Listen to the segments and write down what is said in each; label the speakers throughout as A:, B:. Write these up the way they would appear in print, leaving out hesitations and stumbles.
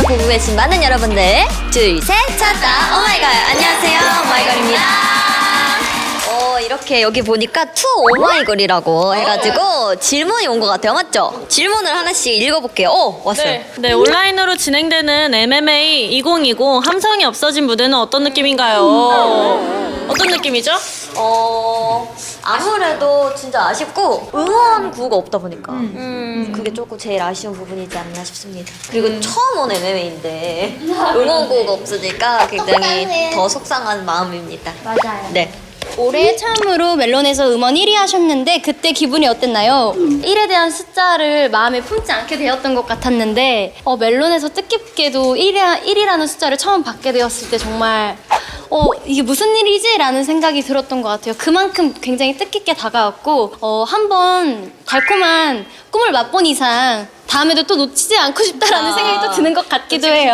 A: 보고 계신 많은 여러분들 둘, 셋, 찾다 오마이걸. 안녕하세요, 오마이걸입니다. 이렇게 여기 보니까 투 오마이걸이라고 해가지고 질문이 온 것 같아요. 맞죠? 질문을 하나씩 읽어볼게요. 왔어요.
B: 네, 온라인으로 진행되는 MMA 2020 함성이 없어진 무대는 어떤 느낌인가요? 어떤 느낌이죠?
A: 아무래도 진짜 아쉽고 응원구가 없다 보니까 그게 조금 제일 아쉬운 부분이지 않나 싶습니다. 그리고 처음 온 MMA인데 응원구가 없으니까 굉장히 더 속상한 마음입니다.
C: 맞아요.
A: 네.
C: 올해 처음으로 멜론에서 음원 1위 하셨는데 그때 기분이 어땠나요? 1에 대한 숫자를 마음에 품지 않게 되었던 것 같았는데 멜론에서 뜻깊게도 1이라는 숫자를 처음 받게 되었을 때 정말 이게 무슨 일이지? 라는 생각이 들었던 것 같아요. 그만큼 굉장히 뜻깊게 다가왔고 한번 달콤한 꿈을 맛본 이상 다음에도 또 놓치지 않고 싶다라는 생각이 또 드는 것 같기도 해요.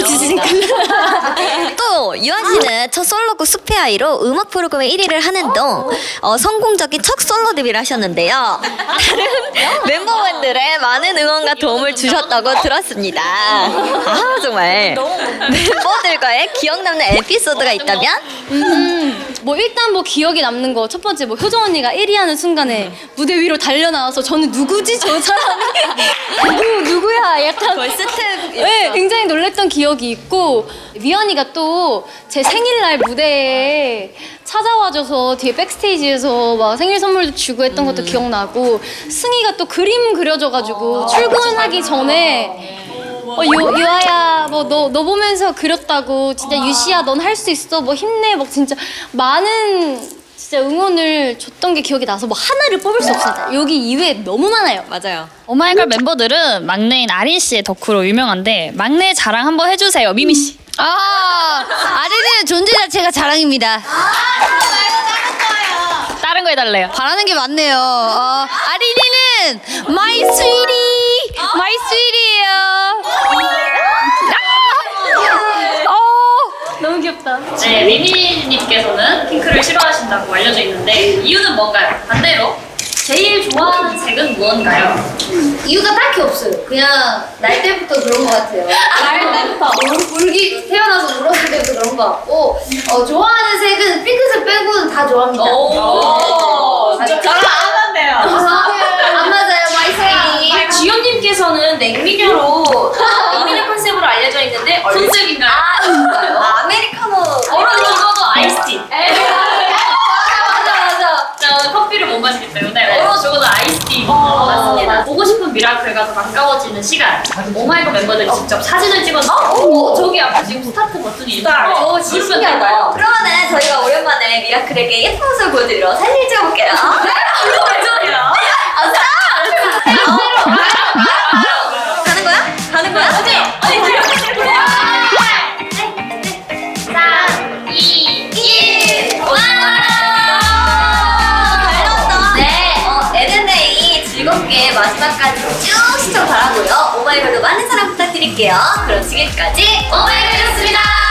A: 또 유한 씨는 첫 솔로곡 숲의 아이로 음악 프로그램 1위를 하는 동 성공적인 첫 솔로 데뷔를 하셨는데요. 다른 멤버분들의 많은 응원과 도움을 주셨다고 들었습니다. 정말 멤버들과의 기억 남는 에피소드가 있다면?
C: 일단 기억에 남는 거 첫 번째 효정 언니가 1위 하는 순간에 무대 위로 달려 나와서 저는 누구지 저 사람이 누구야 약간
A: 거의 스텝.
C: 네, 굉장히 놀랬던 기억이 있고 위연이가 또 제 생일날 무대에 찾아와줘서 뒤에 백스테이지에서 막 생일 선물도 주고 했던 것도 기억나고 승희가 또 그림 그려줘가지고 출근하기 전에 유아야 너 보면서 그렸다고 진짜 유시야 넌 할 수 있어 힘내 진짜 많은 진짜 응원을 줬던 게 기억이 나서 하나를 뽑을 수 없습니다. 여기 이외에 너무 많아요.
A: 맞아요.
D: 오마이걸 멤버들은 막내인 아린 씨의 덕후로 유명한데 막내 자랑 한번 해주세요, 미미 씨.
E: 아린이는 존재 자체가 자랑입니다.
D: 다른 거 해달래요.
E: 바라는 게 많네요. 아린이는 my sweetie, my sweetie예요.
C: 너무 귀엽다.
B: 네, 미미님께서는 핑크를 싫어하신다고 알려져 있는데 이유는 뭔가요? 반대로 제일 좋아하는 색은 무언가요?
E: 이유가 딱히 없어요. 그냥 날 때부터 그런 것 같아요. 날 때부터 태어나서 울었을 때부터 그런 것 같고 좋아하는 색은 핑크색 빼고는 다 좋아합니다.
B: 진짜 저랑 안 맞네요.
E: 안 맞아요, my sweetie.
B: 지연님께서는 냉미녀로 냉미녀 컨셉으로 알려져 있는데 손색인가요?
A: 아메리카노.
B: 얼음 죽어도 아이스티.
E: 맞아.
B: 저는 커피를 못 마시기 때문에 얼어 죽어도 아이스티 맞습니다. 보고 싶은 미라클과 더 가까워지는 시간. 오마이걸 멤버들이 직접 사진을 찍어서 저기 앞에 지금 스타트 버튼이 있어요. 누르면 될까요?
A: 그러면은 저희가 오랜만에 미라클에게 예쁜 모습을 보여드리러 사진 찍어볼게요.
B: 이거 왜 저래요?
A: 가는 거야? 가는 거야?
B: 어디?
A: NNA 즐겁게 마지막까지 쭉 시청 바라고요. 오마이걸도 많은 사랑 부탁드릴게요. 그럼 지금까지 오마이걸이었습니다.